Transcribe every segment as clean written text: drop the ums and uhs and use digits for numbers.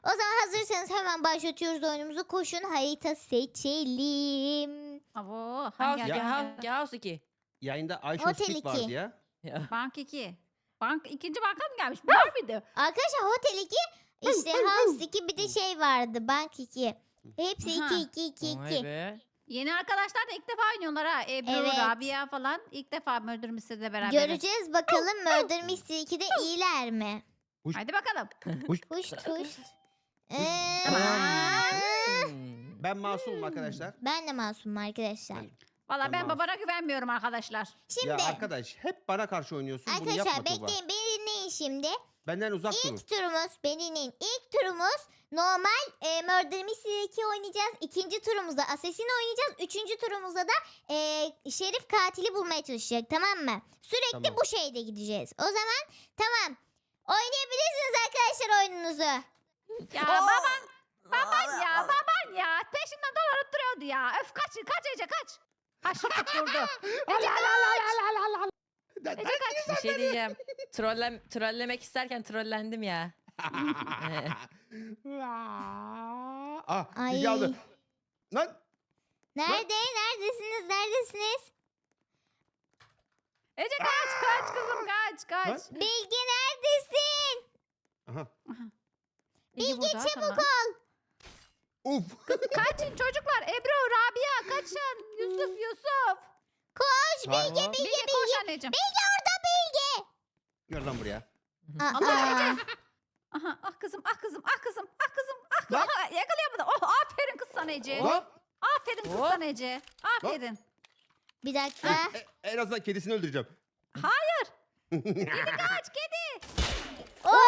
O zaman hazırsanız hemen başlatıyoruz oyunumuzu. Koşun harita seçelim. Abo, House 2, hangi? House 2. Yayında Ayşe Hotel Speed 2. vardı ya. Ya. Bank 2. Bank ikinci banka mı gelmiş? Var mıydı? Arkadaşlar Hotel 2, işte House 2, bir de şey vardı Bank 2. Hepsi Aha. 2. Vay be. Yeni arkadaşlar da ilk defa oynuyorlar ha. Ebru, Evet. Rabia falan ilk defa Murder Mystery'de beraber. Göreceğiz bakalım Murder Mystery 2'de iyiler mi? Hadi bakalım. Huş huş. Hmm. Ben masumum arkadaşlar. Ben de masumum arkadaşlar. Valla ben Tamam. babana güvenmiyorum arkadaşlar. Şimdi Ya arkadaş hep bana karşı oynuyorsun. Bunu arkadaşlar yapma Tuğba. bekleyin, beni dinleyin şimdi. Benden uzak durun. İlk turumuz, beni dinleyin. İlk turumuz normal Murder Mystery 2 oynayacağız. İkinci turumuzda Assassin oynayacağız. Üçüncü turumuzda da Şerif katili bulmaya çalışacak, tamam mı? Sürekli Tamam. bu şeyde gideceğiz. O zaman tamam. Oynayabilirsiniz arkadaşlar oyununuzu. Ya baban ya. Peşinden dolanıp duruyordu ya. Öf kaç Ece kaç. Haşır tutturdu. Ece kaç. Ece kaç. Bir şey diyeceğim. Trollemek isterken trollendim ya. Ah, Bilge aldı. Lan. Neredesiniz? Ece kaç kızım kaç. Bilge neredesin? Aha. Ece Bilge burada, çabuk tamam. ol. Uf. Kaçın çocuklar. Ebru, Rabia kaçın. Yusuf. Koş Tamam. Bilge. Bilge koş anneciğim. Bilge orada Bilge. Gel lan buraya. Aa, Aha, ah kızım. Lan. Aha, yakalayamadı. Oh aferin kız sana Ece. Lan. Aferin kız Hop. sana Ece. Aferin. bir dakika. En azından kedisini öldüreceğim. Hayır. Kaç kedi. Oo!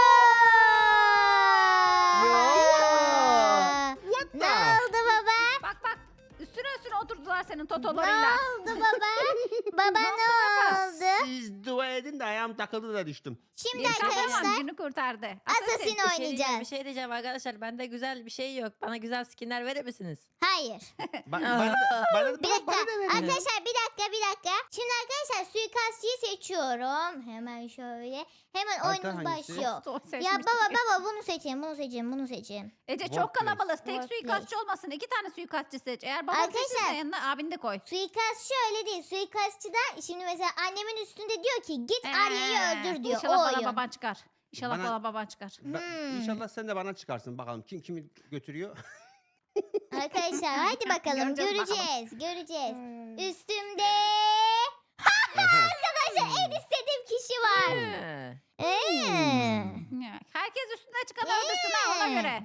What Ne the? oldu baba? Bak üstüne oturdular senin Ne totolarıyla. oldu baba? Baba ne oldu? Siz dua edin de ayağım takıldı da düştüm. Şimdi Bir tamam arkadaşlar günü kurtardı. Assassin Bir şey oynayacağız. diyeceğim arkadaşlar. Bende güzel bir şey yok. Bana güzel skinler verir misiniz? Hayır. Bana Bir dakika. da verin. Arkadaşlar bir dakika. Şimdi arkadaşlar suikastçıyı seçiyorum. Hemen şöyle. Hemen Harita oyunumuz hangisi? başlıyor. Seçmiştik. Ya baba bunu seçin. Ece çok Workplace. kalabalık. Tek Workplace. suikastçı olmasın. 2 tane suikastçı seç. Eğer baban Arkadaşlar- seçirse yanına abini de koy. Suikastçı öyle değil. Suikastçıda şimdi mesela annemin üstünde diyor ki git Arya'yı öldür diyor. İnşallah O bana oyun. baban çıkar. İnşallah Bana- bana baban çıkar. İnşallah sen de bana çıkarsın bakalım. Kim kimi götürüyor? Arkadaşlar hadi bakalım Göreceğiz göreceğiz. Üstümde Aha. arkadaşlar en istediğim kişi var. Ha. Ya, herkes üstüne çıkan öldürsün ha ona göre.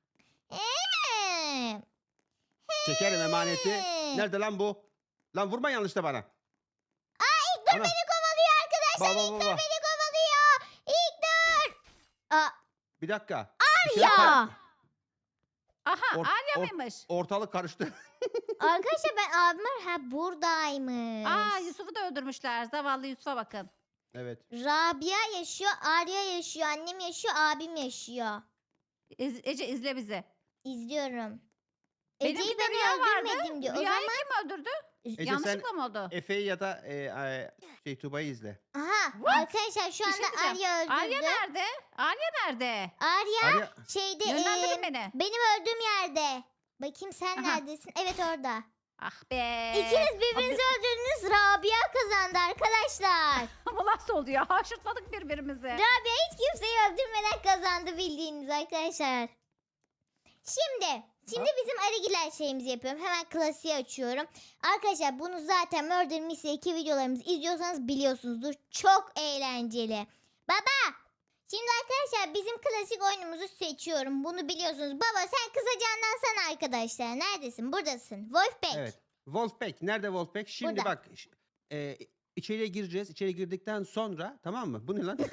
Çekerim emaneti. Nerede lan bu? Lan vurma yanlışta bana. İlk dur Ana. beni kovalıyor arkadaşlar. Baba, İlk dur baba. beni kovalıyor. İlk dur. Aa, Bir dakika. Bir şey yap- ya. Aha Or- Arya or- mıymış? Ortalık karıştı. Arkadaşlar ben abim var. Buradaymış. Aa Yusuf'u da öldürmüşler. Zavallı Yusuf'a bakın. Evet. Rabia yaşıyor, Arya yaşıyor, annem yaşıyor, abim yaşıyor. Ece izle bizi. İzliyorum. Benimki Ece'yi de ben Rüya vardı. öldürmedim diyor. O Rüyayı zaman kim öldürdü? Ece Yanlışlıkla mı oldu? Efe'yi ya da Tuğba'yı izle. aha What? arkadaşlar şu Bir şey anda diyeceğim. Arya öldürdü. Arya nerede? Arya nerede? Arya Arya şeyde Yönlendirin beni. benim öldüğüm yerde. Bakayım sen Aha. neredesin? Evet orada. Ah be. İkiniz birbirinizi öldürdünüz. Rabia kazandı arkadaşlar. Bu nasıl oldu ya? Haşırtladık birbirimizi. Rabia hiç kimseyi öldürmeden kazandı bildiğiniz arkadaşlar. Şimdi bizim Arigiler şeyimizi yapıyorum. Hemen klasiği açıyorum. Arkadaşlar bunu zaten Murder Mystery 2 videolarımızı izliyorsanız biliyorsunuzdur. Çok eğlenceli. Baba! Şimdi arkadaşlar bizim klasik oyunumuzu seçiyorum. Bunu biliyorsunuz. Baba sen kısaca anlatsana arkadaşlar. Neredesin? Buradasın. Wolfpack. evet. Wolfpack. Nerede Wolfpack? Şimdi Burada. bak. İçeriye gireceğiz. İçeri girdikten sonra tamam mı? Bu ne lan?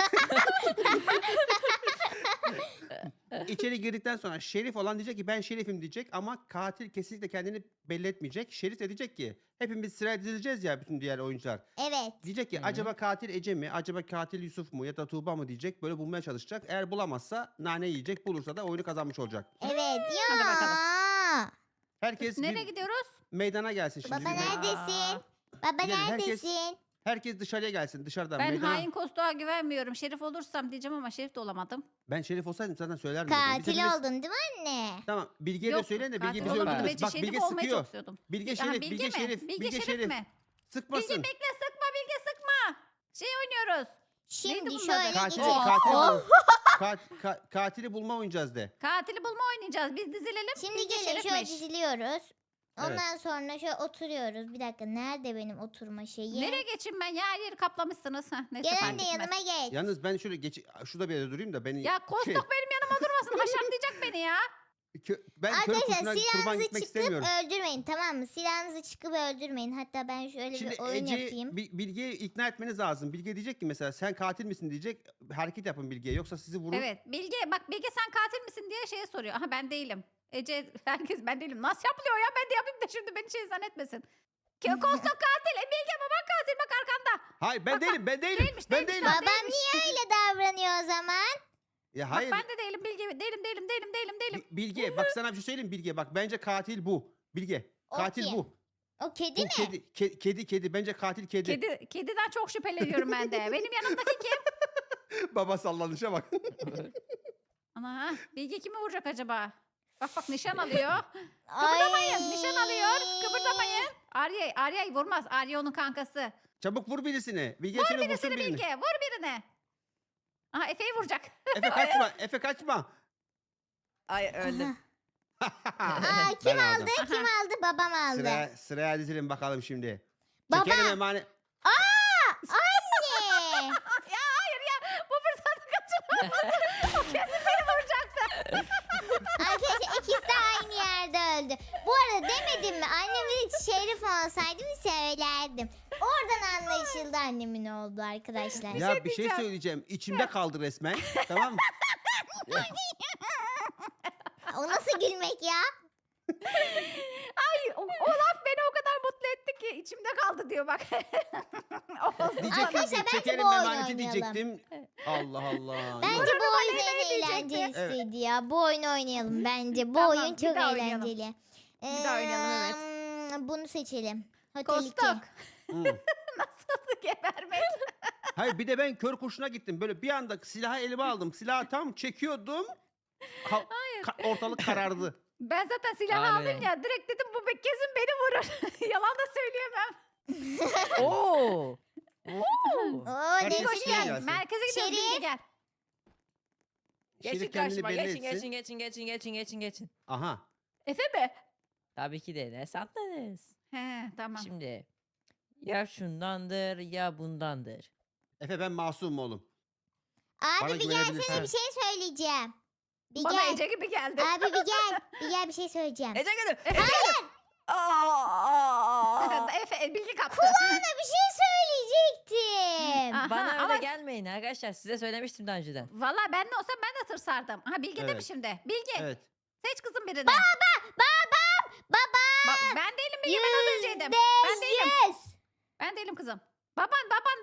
İçeri girdikten sonra şerif olan diyecek ki ben şerifim diyecek ama katil kesinlikle kendini belli etmeyecek. Şerif de diyecek ki hepimiz sıraya dizileceğiz ya bütün diğer oyuncular. Evet. Diyecek ki Hı. acaba katil Ece mi? Acaba katil Yusuf mu? Ya da Tuğba mı diyecek. Böyle bulmaya çalışacak. Eğer bulamazsa nane yiyecek. Bulursa da oyunu kazanmış olacak. Evet. Ya. Hadi bakalım. Herkes Nereye bir gidiyoruz? meydana gelsin şimdi. Baba Bir- neredesin? Baba Gidelim, herkes- neredesin? Herkes dışarıya gelsin. Dışarıdan Ben meydana. hain Kostoğa güvenmiyorum. Şerif olursam diyeceğim ama şerif de olamadım. Ben şerif olsaydım zaten söylerdim. zaten. Biz Katil hepimiz- oldun değil mi anne? Tamam. Bilge'ye de Yok, söyleyin de Bilge katil bizi olamadım. öldürmez. Ece Bak şerif Bilge olmayı sıkıyor. çok istiyordum. Bilge Aha, şerif, Bilge Bilge mi? şerif, Bilge Bilge şerif şerif. mi? Sıkmasın. Bilge bekle, sıkma Bilge, sıkma. Şey oynuyoruz. Şimdi bunun şöyle adı? Katili, gideceğiz. katili, Oh. katili bulma oynayacağız de. Katili bulma oynayacağız. Biz dizilelim. Şimdi Bilge gelin şöyle şerifmiş. diziliyoruz. Evet. Ondan sonra şöyle oturuyoruz. Bir dakika nerede benim oturma şeyi? Nereye geçeyim ben ya? Her yeri kaplamışsınız. Heh, neyse Gel fark anne etmez. yanıma geç. Yalnız ben şöyle şurada bir yere durayım da beni Ya Kostok benim yanıma durmasın. Haşatlayacak beni ya. ben kör Arkadaşlar kurşuna kurban silahınızı gitmek çıkıp istemiyorum. öldürmeyin, tamam mı? Silahınızı çıkıp öldürmeyin. Hatta ben şöyle Şimdi bir oyun Ece yapayım. Bilge'yi ikna etmeniz lazım. Bilge diyecek ki mesela sen katil misin diyecek. Hareket yapın Bilge'ye yoksa sizi vurur. Evet. Bilge sen katil misin diye şeye soruyor. Aha ben değilim. Ece herkes ben değilim. Nasıl yapılıyor ya? Ben de yapayım da şimdi beni şey zannetmesin. Kostok katil. Bilge baban katil bak arkanda. Hayır ben Bak, değilim ben değilim. değilmiş, Ben değilmiş değilim. lan. Babam niye öyle davranıyor o zaman? Ya Bak hayır. ben de değilim Bilge. Değilim. Bilge bak sana bir şey söyleyeyim Bilge. Bak bence katil bu. Bilge. O Katil kim? bu. O kedi Bu mi? kedi. Bence katil kedi. Kediden çok şüpheleniyorum ben de. Benim yanımdaki kim? Baba sallanışa bak. Ana Bilge kimi vuracak acaba? Bak nişan alıyor. Ay. Kıpırdamayın. Nişan alıyor. Kıpırdamayın. Arya'yı vurmaz. Arya onun kankası. Çabuk vur birisini. Bilge Vur seni vursun birisini birini. Bilge. Vur birine. Aha Efe'yi vuracak. Efe kaçma. Efe kaçma. Ay öldüm. Aa, kim Ben aldı? aldım. Kim aldı? Babam aldı. Sıraya dizilin bakalım şimdi. Baba. Çekelim emanet. Anne. Ya hayır ya. Bu fırsatı kaçırma. O kesin beni vuracaktı. Arkadaşlar ikisi de aynı yerde öldü. Bu arada demedim mi? Annemin şerif olsaydım söylerdim. Oradan anlaşıldı annemin oldu arkadaşlar. Ya bir şey diyeceğim. söyleyeceğim. İçimde kaldı resmen. Tamam mı? O nasıl gülmek ya? Ay o laf beni o kadar mutlu etti ki içimde kaldı diyor bak. Diyecektim Arkadaşlar ki bence çekelim bu oyunu emaneti oynayalım. diyecektim. Allah Allah. Bence Yok. bu oyun ne en diyecekti? eğlencelisiydi ya. Bu oyunu oynayalım bence. Bu Tamam, oyun bir çok daha oynayalım. eğlenceli. Bir daha oynayalım, evet. Bunu seçelim. Hotel 2. Kostok. Hı. Nasıl gebermek? Hayır bir de ben kör kurşuna gittim. Böyle bir anda silahı elime aldım. Silahı tam çekiyordum. Ortalık karardı. Ben zaten silahı Aynen aldım öyle. ya. Direkt dedim bu kesin beni vurur. Yalan da söyleyemem. Oo. Oo. Oo, Herkes Nesrin. şeye gelsin. Merkeze gidiyoruz Şerif. Bilge gel. Geçin Şerif kendini karşıma. belli Geçin etsin. geçin. Aha. Efe mi? Tabii ki de ne sandınız? He tamam. Şimdi ya şundandır ya bundandır. Efe ben masumum oğlum. Bana Abi bir gelsene güvenebilirsin. bir şey söyleyeceğim. Bir Bana gel. Ece gibi geldi. Abi bir gel. Bir gel bir şey söyleyeceğim. Ece gülüm. Hayır. Efe Bilge kaptı. Kulağına bir şey söyleyecektim. Aha, Bana öyle ama gelmeyin arkadaşlar. Size söylemiştim daha önceden. valla ben de olsam ben de tırsardım. Aha Bilge değil mi Evet. şimdi? Bilge Evet. seç kızım birini. Baba. Ben değilim Bilge ben az önceydim. Ben değilim. Yüz. Ben değilim kızım. Baban.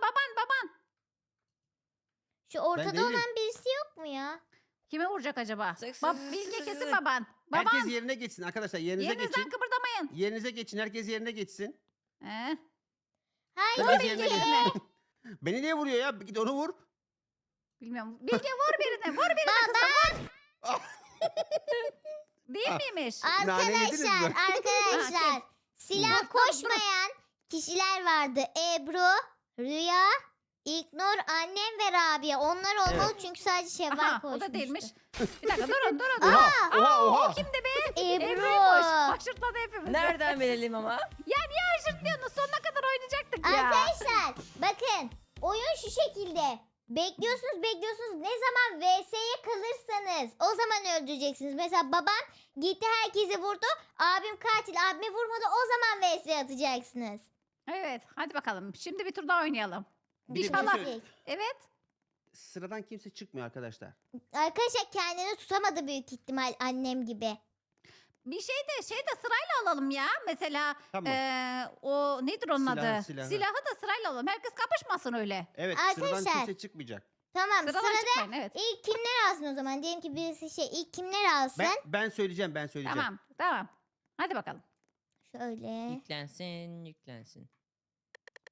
Şu ortada değilim. olan birisi yok mu ya? Kime vuracak acaba? Sık, sık, sık, Bilge sık, kesin sık. baban. Baban. Herkes yerine geçsin arkadaşlar. Yerinize Yerinizden geçin. kıpırdamayın. Yerinize geçin. Herkes yerine geçsin. Hayır. Herkes Bilge yerine geçin. birine. Beni niye vuruyor ya? Git onu vur. Bilmiyorum. Bilge vur birine. Vur birine kızım. Vur. Değil miymiş? Nane yediniz mi? Arkadaşlar. Ha, Silah Dur, koşmayan kişiler vardı. Ebru, Rüya, İlknur, annem ve Rabia. Onlar olmalı çünkü sadece Şevval Aha koşmuştu. o da değilmiş. Bir dakika durun. Oha. O kimdi be? Ebru. Ebru'ymuş. Haşırtladı hepimizi. Nereden bilelim ama? Ya niye haşırtlıyorsunuz? Sonuna kadar oynayacaktık ya. Arkadaşlar bakın oyun şu şekilde. Bekliyorsunuz. Ne zaman VS'ye kalırsanız o zaman öldüreceksiniz. Mesela babam gitti herkesi vurdu. Abim katil abimi vurmadı o zaman VS'ye atacaksınız. Evet hadi bakalım. Şimdi bir tur daha oynayalım. Bir de bir İnşallah. şey söyle- Evet. Sıradan kimse çıkmıyor arkadaşlar. Arkadaşlar kendini tutamadı büyük ihtimal annem gibi. Bir şey de sırayla alalım ya. Mesela Tamam. o nedir onun Silahı, adı? silahı. Silahı da sırayla alalım. Herkes kapışmasın öyle. Evet sıradan Arkadaşlar. kimse çıkmayacak. Tamam Sıradan sırada çıkmayın evet. ilk kimler alsın o zaman? Diyelim ki birisi ilk kimler alsın? Ben söyleyeceğim. Tamam. Hadi bakalım. Şöyle. Yüklensin.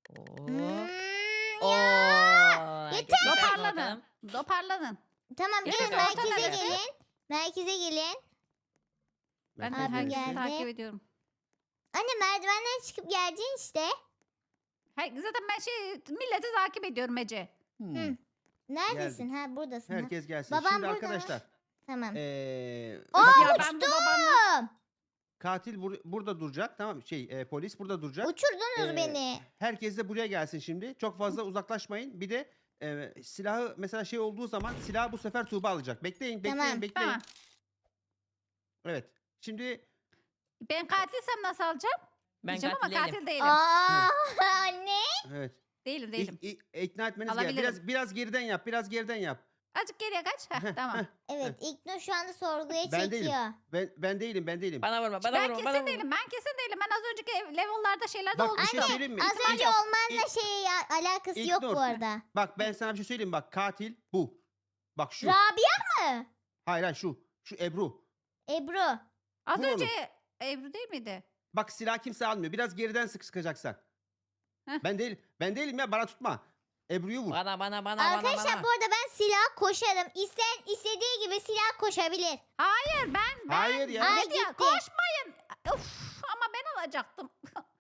Hmm, Oo. Yeter. Toparlanın. Toparlanın. Tamam Gelin, gelin orta merkeze neresi? gelin. Merkeze gelin. Ben de Merkez Abim herkesi neresi? geldi. takip ediyorum. Anne merdivenden çıkıp geleceksin işte. Zaten ben milleti takip ediyorum Ece. Hmm. Neredesin? Ha buradasın. Ha. Herkes gelsin. Babam Şimdi burada mı? arkadaşlar. Tamam. Bak, Ya ben bu babanla... Uçtum. katil burada duracak. Tamam polis burada duracak. Uçurdunuz Ee, beni. Herkes de buraya gelsin şimdi. Çok fazla uzaklaşmayın. Bir de silahı mesela olduğu zaman silahı bu sefer Tuğba alacak. Bekleyin, bekleyin, Tamam. bekleyin. Tamam. Evet. Şimdi Ben katilsem nasıl alacağım? Ben Diyeceğim ama katil değilim. katil değilim. Aa anne. evet. Değilim değilim. İkna etmeniz gerek. Alabilirim. Biraz geriden yap. Biraz geriden yap. Azıcık geriye kaç. Heh, tamam. Evet İlknur şu anda sorguya Ben değilim. çekiyor. Ben değilim. Bana vurma, bana Ben vurma, bana kesin vurma. değilim. Ben kesin değilim. Ben az önceki level'larda şeylerde Bak bir olmuştum. şey söyleyeyim mi? Az önce İlk- olmanla ilk- alakası yok İlknur. bu arada. Bak ben sana bir şey söyleyeyim bak katil bu. Bak şu. Rabia mı? Hayır şu. Şu Ebru. Ebru. Az Bu önce oğlum. Ebru değil miydi? Bak silah kimse almıyor. Biraz geriden sıkacaksan. Heh. Ben değilim ya bana tutma. Ebru'yu vur. Bana. Arkadaşlar bu arada ben silah koşarım. İsteyen istediği gibi silah koşabilir. Hayır ben. Hayır ya. Ay, Dedi ya, gitti. koşmayın. Uf, ama ben alacaktım.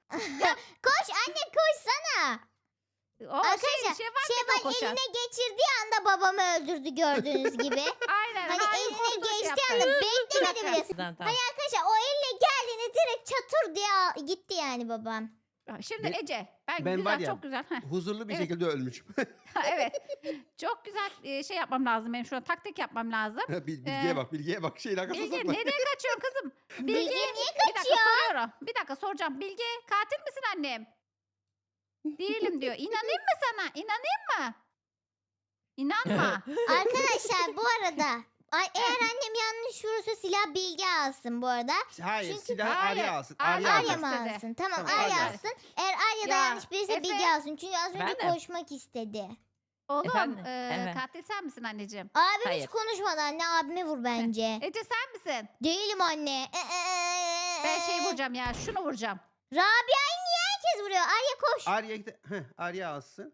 Koş anne koşsana. O Arkadaşlar şey var Şevval mı koşan? eline geçirdiği anda babamı öldürdü gördüğünüz gibi. Aynen. Hani hain eline koştu, şey geçtiği yaptı. anda Bir beklemedi dakika. bile. Tamam, tamam. Arkadaşlar o elle geldiğinde direkt çatır diye gitti yani babam. Şimdi Ben- Ece. Ben ben güzel var ya- çok güzel. Heh, Huzurlu bir Evet. şekilde ölmüşüm. evet. Çok güzel şey yapmam lazım benim. Şurada taktik yapmam lazım. Bilgiye bak, bilgiye bak. Şeyin arkasına Bilge sokma. nereye kaçıyorsun kızım? Bilge niye Bir dakika soruyorum. Bir dakika soracağım. Bilge katil misin annem? Değilim diyor. İnanayım mı sana? İnanayım mı? İnanma. Arkadaşlar bu arada eğer annem yanlış vurursa silah Bilge alsın bu arada. Hayır, Çünkü- silahı Hayır, Arya alsın. Arya Arya Arya alsın. mı istedi. alsın? Tamam Tamam, Arya Arya. alsın. Eğer Arya da Ya, yanlış bilirse Efe. Bilge alsın. Çünkü az önce Ben de. koşmak istedi. Oğlum Efendim? Evet. katil sen misin anneciğim? Abim hiç Hayır. konuşmadı anne abime vur bence. Ece sen misin? Değilim anne. Ben şey vuracağım ya. Şunu vuracağım. Rabia'yı niye herkes vuruyor? Arya koş. Arya alsın.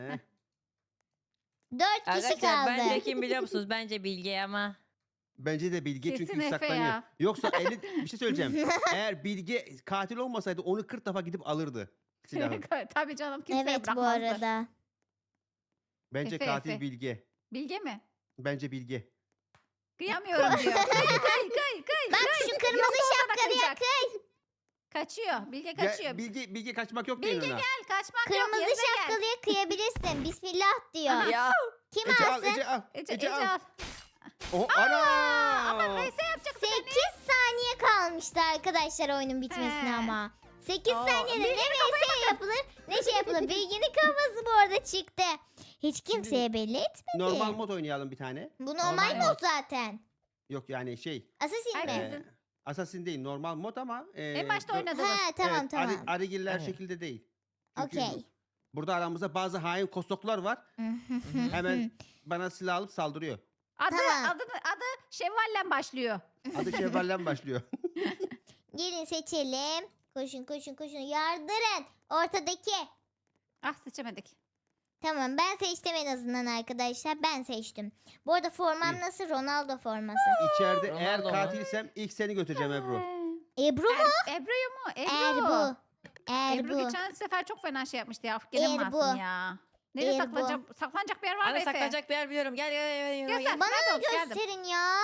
4 kişi Arkadaşlar kaldı. bence kim biliyor musunuz? Bence Bilge ama. Bence de Bilge Kesin çünkü Efe saklanıyor. ya. Yoksa bir şey söyleyeceğim. Eğer Bilge katil olmasaydı onu 40 defa gidip alırdı silahı. Tabii canım kimseye Evet bu bırakmazdı. arada. Bence Efe, katil Efe. Bilge. Bilge mi? Bence Bilge. Kıyamıyorum diyor. Kay. Bak şu kırmızı Yoksa şapkalıya kaçacak. kıy. Kaçıyor. Bilge Ya, kaçıyor. Bilge kaçmak yok Bilge değil ona. gel kaçmak yok. Kırmızı Yerine gel. şapkalıya kıyabilirsin. Bismillah diyor. Ya. Kim Ece al, alsın? Ece al. Ece al. al. Oh, Ama ana! neyse yapacak 8 saniye kalmıştı arkadaşlar oyunun bitmesine He. ama. 8 Oo, saniyede ne VS yapılır ne şey yapılır. Bilginin kafası bu arada çıktı. Hiç kimseye belli etmedi. Normal mod oynayalım bir tane. Bu normal Normal mod mod. zaten. Yok yani Assassin mi? Herkesin. Assassin değil normal mod ama. En başta bu- oynadığımız. Ha tamam evet, tamam. Arigiller Evet. şekilde değil. Çünkü Okey. burada aramızda bazı hain kostoklar var. Hemen bana silah alıp saldırıyor. Tamam. Adı Şevval'le başlıyor. Adı Şevval'den başlıyor. Gelin seçelim. Koşun koşun koşun. Yardırın. Ortadaki. Ah seçemedik. Tamam ben seçtim en azından arkadaşlar. Ben seçtim. Bu arada formam İyi. nasıl? Ronaldo forması. İçeride eğer Ronaldo mu? katilsem ilk seni götüreceğim Ebru. Ebru mu? Ebru'yu mu? Erbu. Ebru Erbu. geçen sefer çok fena şey yapmıştı ya. Gene Erbu. masum ya. Nereye Erbu. saklanacak bir yer var mı Ana Efe? saklanacak bir yer biliyorum. Gel. Göster. Bana Nerede da o? Geldim. gösterin ya.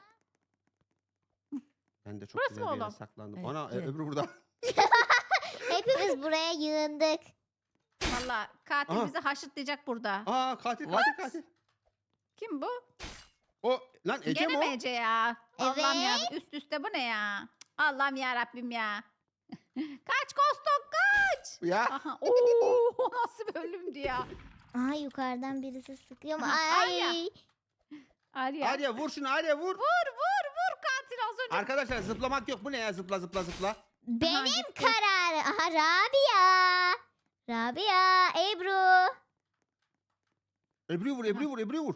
Ben de çok Burası güzel mı bir yere oğlum? saklandım. Evet, Ana evet. Ebru burada. Hepimiz buraya yığındık. Valla katil Aha. bizi haşıtlayacak burada. Aa katil What? katil. Kim bu? O lan Ece Gene mi o? mi Ece ya? Allah'ım ya Evet. üst üste bu ne ya? Allah'ım ya Rabbim ya. Kaç Kostok kaç. Ya Aha. Oo, nasıl bir ölümdü ya. Aa yukarıdan birisi sıkıyor mu? Aha, Ay. Arya. Arya. Arya vur şunu Arya vur. Vur katil az önce. Arkadaşlar zıplamak yok. Bu ne ya zıpla. Benim gitti. kararım. Aha Rabia. Rabia. Ebru. Ebru'yu vur.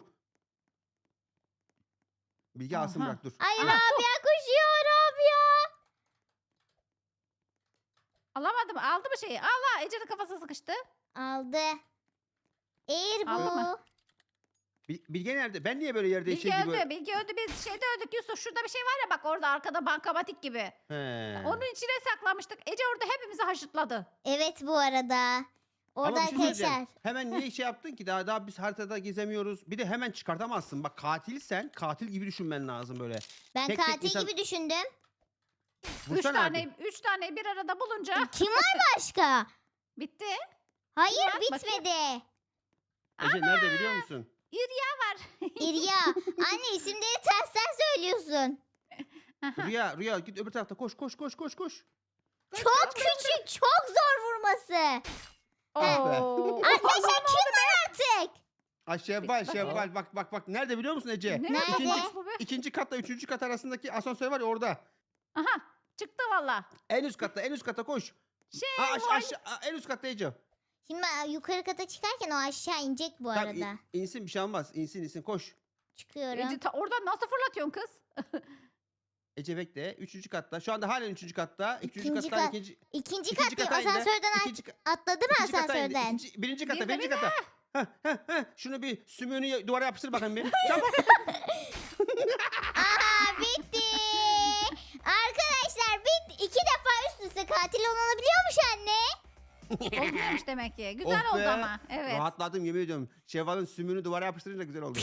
Bilge alsın Aha. bırak dur. Ay Aha. Rabia koşuyor Rabia. Alamadım. Aldı mı şeyi? Allah Ece'nin kafası sıkıştı. Aldı. Eğer Aldı mı? bu. Bilge nerede? Ben niye böyle yerde Bilge şey gibi? öldü. Bilge öldü. Biz şeyde öldük Yusuf. Şurada bir şey var ya bak orada arkada bankamatik gibi. He. Onun içine saklamıştık. Ece orada hepimizi haşırtladı. Evet bu arada. Orada Ama bir şey söyleyeceğim. arkadaşlar. Hemen niye şey yaptın ki? Daha biz haritada gezemiyoruz. Bir de hemen çıkartamazsın. Bak katilsen katil gibi düşünmen lazım böyle. Ben tek tek katil insan- gibi düşündüm. Vursana abi. Üç tane bir arada bulunca Kim var başka? bitti. Hayır var? Bakayım. bitmedi. Ece nerede biliyor musun? İrya var. İrya. Anne isimleri tersten söylüyorsun. Rüya git öbür tarafta koş. Çok küçük, çok zor vurması. Oo. Arkadaşlar kim var artık? Şevval bak. Nerede biliyor musun Ece? Ne Nerede? yapacağız bu be? İkinci katla üçüncü kat arasındaki asansör var ya orada. Aha çıktı valla. En üst katta koş. Aşağı, en üst katta Ece. Şimdi ben yukarı kata çıkarken o aşağı inecek bu Tamam, arada. insin bir şey olmaz. İnsin koş. Çıkıyorum. Ece oradan nasıl fırlatıyorsun kız? Ece bekle. Üçüncü katta. Şu anda halen üçüncü katta. İkinci Üçüncü kattan kat. ikinci. İkinci ikinci kat değil, kata indi. asansörden atladı mı ikinci kata indi. asansörden? Birinci kata, Bir de birinci bir de. kata. Heh. Şunu bir sümüğünü duvara yapıştır bakayım bir. Çabuk. Aha bitti. Arkadaşlar bitti. 2 defa üst üste katil olunabiliyormuş anne. Olmuyormuş demek ki. Güzel Oh oldu be. ama. Evet. Rahatladım yemin ediyorum. Şevval'ın sümüğünü duvara yapıştırınca güzel oldu.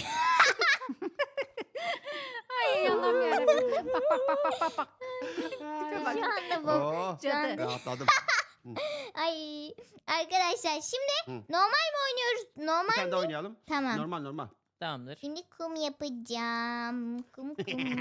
Ay Allah'ım yarabbim. Bak. Tipe bak. Şu anda bu. Oh, Cadı. rahatladım. Ay arkadaşlar şimdi Hı. normal mi oynuyoruz? Bir Normal. tane daha oynayalım. Tamam. Normal. Tamamdır. Şimdi kum yapacağım. Kum.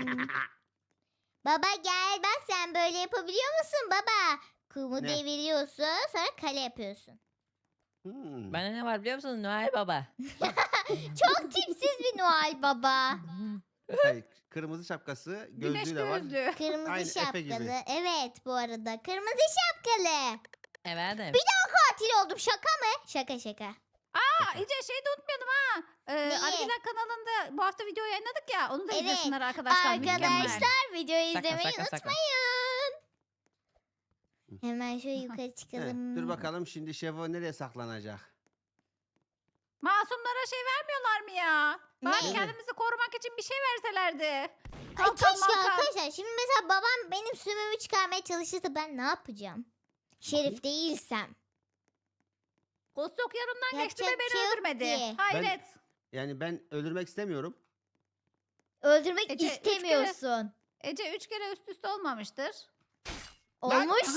Baba gel bak sen böyle yapabiliyor musun baba? Kumu Ne? deviriyorsun sonra kale yapıyorsun. Bende ne var biliyor musun Noel Baba? Çok tipsiz bir Noel baba. Hayır, kırmızı şapkası, Güneş gözlüğü de var. gözlüğü. Kırmızı Aynı Efe gibi. şapkalı. Evet bu arada. Kırmızı şapkalı. Efendim. Katil oldum şaka mı? Şaka. Aa Ece şeyi de unutmayalım ha. Neyi? Argiler kanalında bu hafta video yayınladık ya. Onu da Evet. izlesinler arkadaşlar. Mükemmel. Arkadaşlar videoyu Saka, izlemeyi saka, saka. unutmayın. Hemen şöyle yukarı Heh, çıkalım. dur bakalım şimdi Şevval nereye saklanacak? Masumlara şey vermiyorlar mı ya? Bari Ne? kendimizi korumak için bir şey verselerdi. Ay Kalkan keşke malkan. arkadaşlar. Şimdi mesela babam benim sümüğümü çıkarmaya çalışırsa ben ne yapacağım? Şerif değilsem. Kostok yanımdan geçti Yapacak ve bir beni şey yok öldürmedi. ki. Hayret. Yani ben öldürmek istemiyorum. Öldürmek Ece, üç kere- istemiyorsun. Ece 3 kere üst üste olmamıştır. Olmuşum.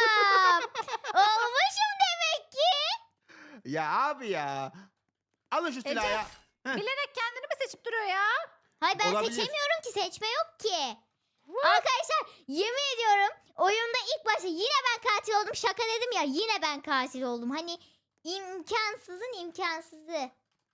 Olmuşum demek ki. Ya abi ya. Alın şu silahı Ece, ya. Heh. Bilerek kendini mi seçip duruyor ya? Hayır ben Olabilir. seçemiyorum ki, seçme yok ki. Arkadaşlar yemin ediyorum oyunda ilk başta yine ben katil oldum. Şaka dedim ya, yine ben katil oldum. Hani imkansızın imkansızı.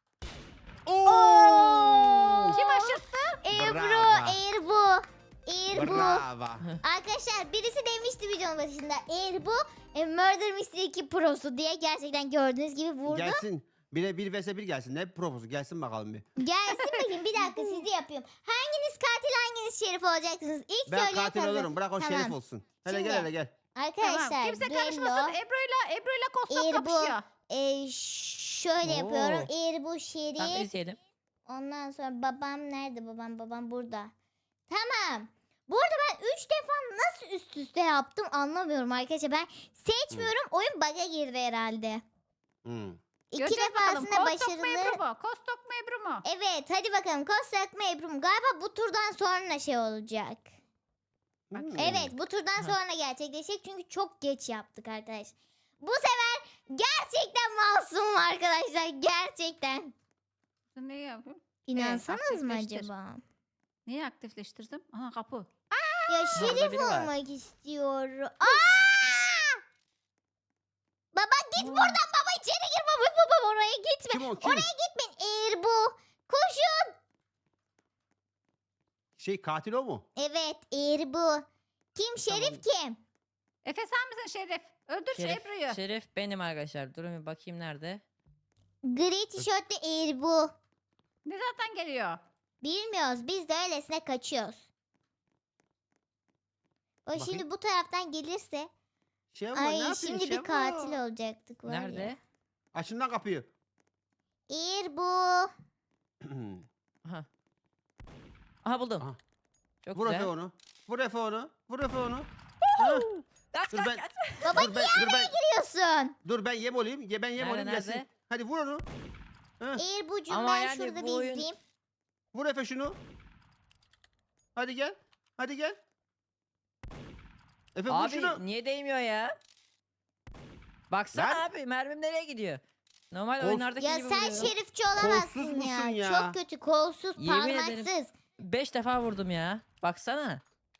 Oo! Kim aşırttı? Bravo. Eğer bu. Bravo. Arkadaşlar birisi demişti videonun başında. Eğer bu Murder Mystery 2 Pro'su diye, gerçekten gördüğünüz gibi vurdu. Gelsin. Bir vs 1 gelsin. Ne proposu? Gelsin bakalım bir. Gelsin bakayım, bir dakika sizi yapıyorum. Hanginiz katil hanginiz şerif olacaksınız? İlk Ben söyleyen katil kazanır. olurum. Bırak o Tamam. şerif olsun. Hele Şimdi- gel. Arkadaşlar Tamam. Kimse düello. karışmasın. Ebru'yla Kostok Eğer bu- kapışıyor. Şöyle Oo. yapıyorum. Eğer bu Tamam şerif. izleyelim. Ondan sonra babam nerede? Babam burada. Tamam. Bu arada ben 3 defa nasıl üst üste yaptım anlamıyorum arkadaşlar. Ben seçmiyorum. Oyun bug'a girdi herhalde. Hmm. 2 Göreceğiz bakalım. defasında Kostok mu başarılı. Ebru mu? Kostok mu Ebru mu? Evet hadi bakalım. Kostak mı Ebru mu? Galiba bu turdan sonra şey olacak. Hmm. Evet bu turdan sonra gerçekleşecek. Çünkü çok geç yaptık arkadaşlar. Bu sefer gerçekten masumum arkadaşlar. Gerçekten. Ne yapayım? İnansanız mı aktifleştir. acaba? Niye aktifleştirdim? Aha kapı. Ya şerif biri var. olmak istiyorum. Aa! Baba git buradan baba, içeri gir baba oraya gitme. Kim o? Kim? Oraya gitmeyin. Eğer bu. Koşun. Katil o mu? Evet eğer bu. Kim şerif kim? Efe sen misin Şerif? Öldür şu Ebru'yu. Şerif benim arkadaşlar. Durun bir bakayım nerede. Gri tişörtlü eğer bu. Ne zaten geliyor? Bilmiyoruz. Biz de öylesine kaçıyoruz. O Bakayım. şimdi bu taraftan gelirse. Şevval ne Ay yapıyorsun şimdi bir Şevval? katil olacaktık var ya. Nerede? Açın lan kapıyı. İrbu. Aha. Aha buldum. Aha. Çok Vur güzel. Efe onu. Vur Efe onu. Vur Efe onu. Ha, Kaç Dur kaç ben- kaç. Baba dur ben Biliyorsun. dur ben yem olayım. Ben yem Nerede, olayım gelsin. nerede? Hadi vur onu. İrbu'cum Ama ben yani şurada bu bir oyun- izleyeyim. Vur Efe şunu. Hadi gel. Hadi gel. Efe vur Abi şunu. niye değmiyor ya? Baksana Lan. abi mermim nereye gidiyor? Normal Of. oyunlardaki Ya gibi sen vuruyorum. şerifçi olamazsın Kolsuz ya. musun ya? Çok kötü kolsuz, Yemin ederim. parmaksız. 5 defa vurdum ya. Baksana.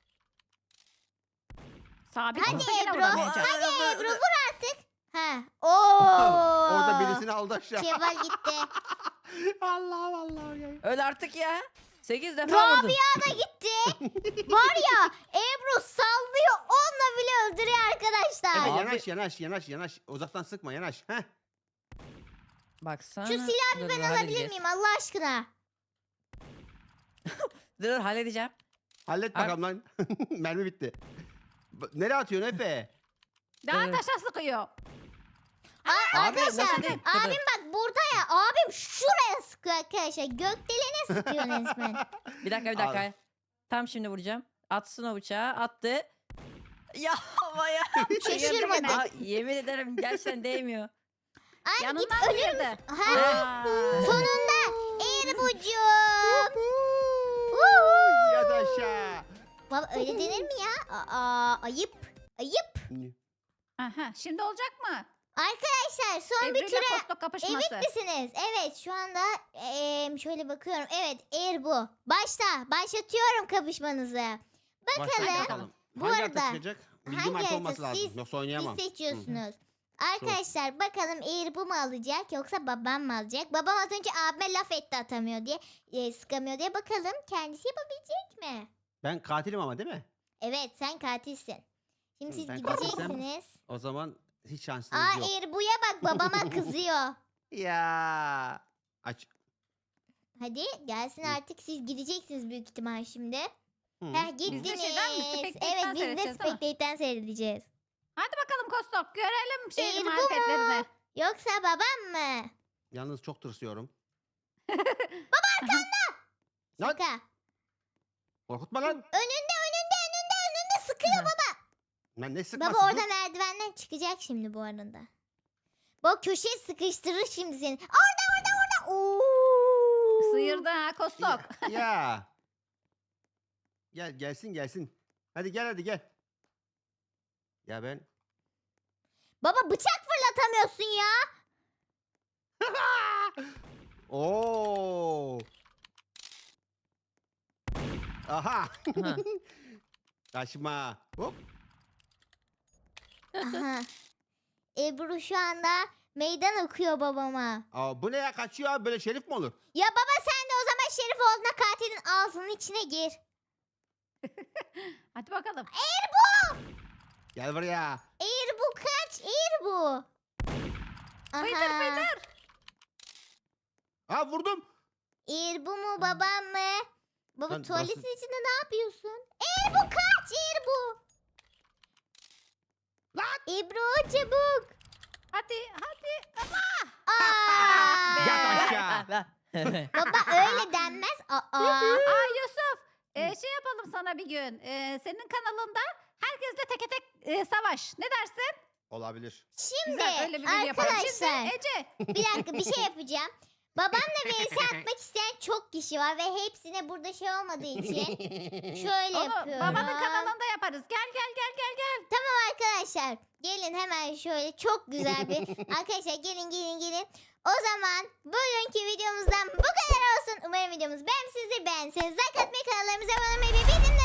Sabit Hadi olsa yine Ebru, vuramayacak. Hadi Ebru vur artık. Ha. Oo. Orada birisini aldı aşağı. Şevval gitti. Allah Allah. Öl artık ya. 8 defa vurdum. Rabia da gitti. Var ya Ebru sallıyor onunla bile öldürüyor Efe arkadaşlar. Abi- yanaş. Uzaktan sıkma yanaş. Heh. Baksana. Şu silahı Dur, ben dur, alabilir halledeceğiz. miyim Allah aşkına? Dur halledeceğim. Hallet Abi- bakalım lan. Mermi bitti. Nereye atıyorsun Efe? Daha Dur. taşa sıkıyor. Aa, Abi, arkadaşlar nasıl değil? Dur, abim bak burada ya abim şuraya sıkıyor arkadaşlar. Gökdelene sıkıyor resmen. Bir dakika. Tam şimdi vuracağım. Atsın o bıçağı. Attı. Ya havaya. Şaşırmadım. Aa, yemin ederim gerçekten değmiyor. Ay git Yanından ölür girdi. müsün? Ha, Aa. sonunda Erbucuğum. Yat aşağı. Baba öyle denir mi ya? Aa, ayıp. Ayıp. Aha, şimdi olacak mı? Arkadaşlar son Ebru bir ile ture Kostok kapışması. emin misiniz? Evet şu anda şöyle bakıyorum. Evet Erbu. Başlatıyorum kapışmanızı. Başla Bakalım. Bu Hangi arada, harita çıkacak? Bildiğim hangi harita harita? olması lazım. Siz- Yoksa oynayamam. Siz seçiyorsunuz. Arkadaşlar bakalım Erbu mu alacak yoksa babam mı alacak? Babam az önce abime laf etti atamıyor diye sıkamıyor diye bakalım kendisi yapabilecek mi? Ben katilim ama değil mi? Evet sen katilsin. Şimdi Hı, siz ben katilsem- gideceksiniz. O zaman hiç şansınız Aa yok. Erbu'ya bak babama kızıyor. Ya. Aç. Hadi gelsin Hı. artık siz gideceksiniz büyük ihtimal şimdi. Hı. Heh gittiniz. şeyden mi? Spectate'den Evet biz de seyredeceğiz, değil mi? Spectate'den seyredeceğiz. Hadi bakalım Kostok görelim şeyin Ebru mu? marifetlerini. Yoksa babam mı? Yalnız çok tırsıyorum. Lan Şaka. korkutma lan. Önünde sıkıyor baba. Ben ne sıkmasın? Baba orada merdivenden çıkacak şimdi bu arada. Bak köşeye sıkıştırır şimdi seni. Orada. Oo. Sıyırdı ha Kostok. Ya. Gelsin. Hadi gel. Ya ben. Baba bıçak fırlatamıyorsun ya. Oo. Aha. Aha. Kaçma. Hop. Aha. Ebru şu anda meydan okuyor babama. Aa, bu ne ya kaçıyor abi böyle şerif mi olur? Ya baba sen de o zaman Şerif olduğuna katilin ağzının içine gir. Hadi bakalım. Gel buraya. Erbu kaç Erbu. Fıydır. Ha vurdum. Erbu mu babam mı? Baba Lan tuvaletin nasıl- içinde ne yapıyorsun? Erbu kaç Erbu. Ebru çabuk. Hadi. Aa! Yat aşağı. Baba öyle denmez. Aa. Aa Yusuf. Şey yapalım sana bir gün. Senin kanalında herkesle teke tek savaş. Ne dersin? Olabilir. Şimdi Güzel öyle bir gün yapalım. arkadaşlar Şimdi Ece. bir dakika bir şey yapacağım. Babamla vs atmak isteyen çok kişi var ve hepsine burada şey olmadığı için şöyle Onu yapıyorum. babanın kanalında yaparız. Gel. Arkadaşlar gelin hemen şöyle çok güzel bir arkadaşlar gelin. O zaman bugünkü videomuzdan bu kadar olsun. Umarım videomuz beğenmişsinizdir. Beğendiyseniz like atmayı, kanallarımıza abone olmayı ve bildirimleri